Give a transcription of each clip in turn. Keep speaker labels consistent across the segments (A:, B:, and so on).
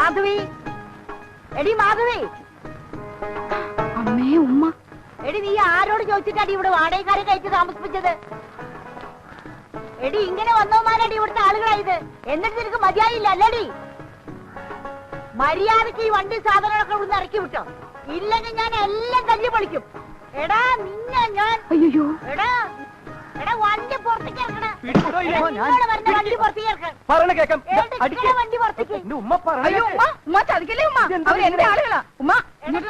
A: മാധവി, എടി മാധവി.
B: അമ്മേ ഉമ്മ.
A: എടി നീ ആരോട് ചോദിച്ചിട്ടാടി ഇവിടെ വാടകക്കാരെ കഴിച്ച് താമസിപ്പിച്ചത്? എടി ഇങ്ങനെ വന്നോമാരടി ഇവിടുത്തെ ആളുകളായത്. എന്നിട്ട് നിനക്ക് മതിയായില്ല അല്ലടി? മര്യാദക്ക് ഈ വണ്ടി സാധനങ്ങളൊക്കെ ഇവിടുന്ന് ഇറക്കി വിട്ടോ, ഇല്ലെങ്കിൽ ഞാൻ എല്ലാം തല്ലി പൊളിക്കും. എടാ നിന്നെ ഞാൻ.
B: അയ്യോ.
A: എടാ എടാ വണ്ടി പുറത്തേക്ക് ഇറക്കണേ. വണ്ടി പുറത്തേക്ക് ഇറക്കണം. വണ്ടി പുറത്തേക്ക്.
B: അയ്യോ ഉമ്മ, ഉമ്മ ചതിക്കല്ലേ ഉമ്മ. അവർ എന്റെ ആളുകളാ ഉമ്മ. ഇങ്ങോട്ട്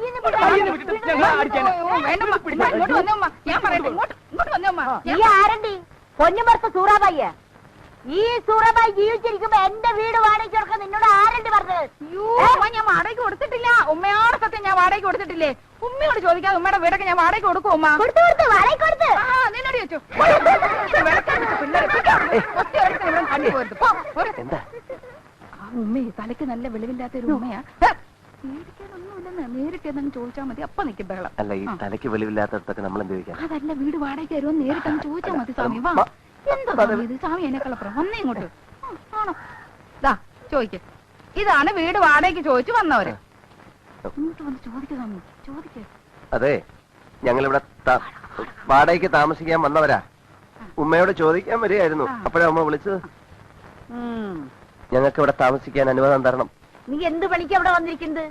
B: വന്നേ ഉമ്മ. ഞാൻ പറയട്ടെ, ഇങ്ങോട്ട് വന്നേ ഉമ്മ.
A: ഈ ആരണ്ടി? പൊന്നുമർത്ത സൂറാബായിയ. ഈ സൂറാബായി ജീവിച്ചിരിക്കുമ്പോ എന്റെ വീട് വാടകയ്ക്ക് കൊടുക്കാൻ നിന്നോട് ആരണ്ടി പറഞ്ഞത്?
B: ഞാൻ വാടകയ്ക്ക് കൊടുത്തിട്ടില്ല. ഉമ്മയോട് സത്യം ഞാൻ വാടകയ്ക്ക് കൊടുത്തിട്ടില്ലേ? ഉമ്മയോട് ചോദിക്കാതെ ഉമ്മയുടെ വീടൊക്കെ ഞാൻ വാടകയ്ക്ക് കൊടുക്കും ഉമ്മ.
A: കൊടുത്തു വാടകയ്ക്ക് കൊടുത്ത്.
B: നിന്നോട് ചോദിച്ചു. ഉമ്മയെ തലയ്ക്ക് നല്ല വെളിവില്ലാത്ത ഒരു ഉമ്മയാ. പേടിക്കാനൊന്നുമില്ലെന്ന് നേരിട്ട് എന്തെങ്കിലും ചോദിച്ചാൽ മതി. അപ്പൊ നിൽക്കും ബഹളം.
C: അല്ല, ഈ തലയ്ക്ക് വെളിവില്ലാത്തടത്തൊക്കെ നമ്മൾ എന്ത് ചോദിക്കാം?
B: അതല്ല, വീട് വാടകയ്ക്ക് തരുമോ നേരിട്ട് അങ്ങ് ചോദിച്ചാൽ മതി. സ്വാമി വാ. എന്താ ഇത് സ്വാമി എന്നെക്കളപ്പുറം വന്നേ ഇങ്ങോട്ട്. ആണോ? ദാ ചോദിക്ക. ഇതാണ് വീട് വാടകയ്ക്ക് ചോദിച്ചു വന്നവര്. ഇങ്ങോട്ട് വന്ന് ചോദിക്കുക സ്വാമി, ചോദിക്ക.
C: അതെ, ഞങ്ങളിവിടെ വാടകയ്ക്ക് താമസിക്കാൻ വന്നവരാ. ഉമ്മയോട് ചോദിക്കാൻ വരികയായിരുന്നു. അപ്പോഴാ ഉമ്മ വിളിച്ചത്. ഞങ്ങൾക്ക് ഇവിടെ താമസിക്കാൻ അനുവാദം തരണം.
A: നീ എന്ത് പണിക്ക് അവിടെ വന്നിരിക്കുന്നത്?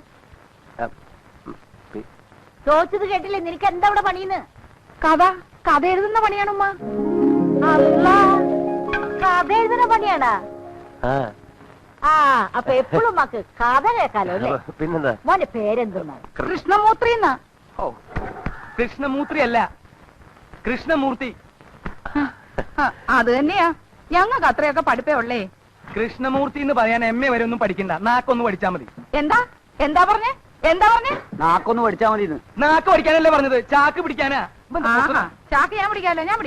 A: ചോദിച്ചത് കേട്ടില്ലേ? നിനക്ക് എന്താ ഇവിടെ പണിയെന്ന്?
B: കഥ എഴുതുന്ന പണിയാണ് ഉമ്മ.
A: അല്ല, കഥ എഴുതുന്ന പണിയാണാ? ആ, അപ്പൊ എപ്പോഴും ഉമ്മക്ക് കഥ കേൾക്കാലോ അല്ലേ?
C: പിന്നെന്താ?
A: മോന്റെ പേരെന്തെന്നാ?
B: കൃഷ്ണമൂർത്തി.
D: കൃഷ്ണമൂർത്തി അല്ല, കൃഷ്ണമൂർത്തി.
B: അത് തന്നെയാ. ഞങ്ങൾക്ക് അത്രയൊക്കെ പഠിപ്പേ ഉള്ളേ.
D: കൃഷ്ണമൂർത്തി എന്ന് പറയാൻ MA വരെ ഒന്നും പഠിക്കണ്ട, നാക്കൊന്ന് പഠിച്ചാ മതി.
B: എന്താ പറഞ്ഞേ?
D: നാക്കൊന്ന് പഠിച്ചാ മതി. നാക്ക് പഠിക്കാനല്ലേ പറഞ്ഞത്? ചാക്ക് പിടിക്കാനാ?
B: ചാക്ക് ഞാൻ പിടിക്കാലോ. ഞാൻ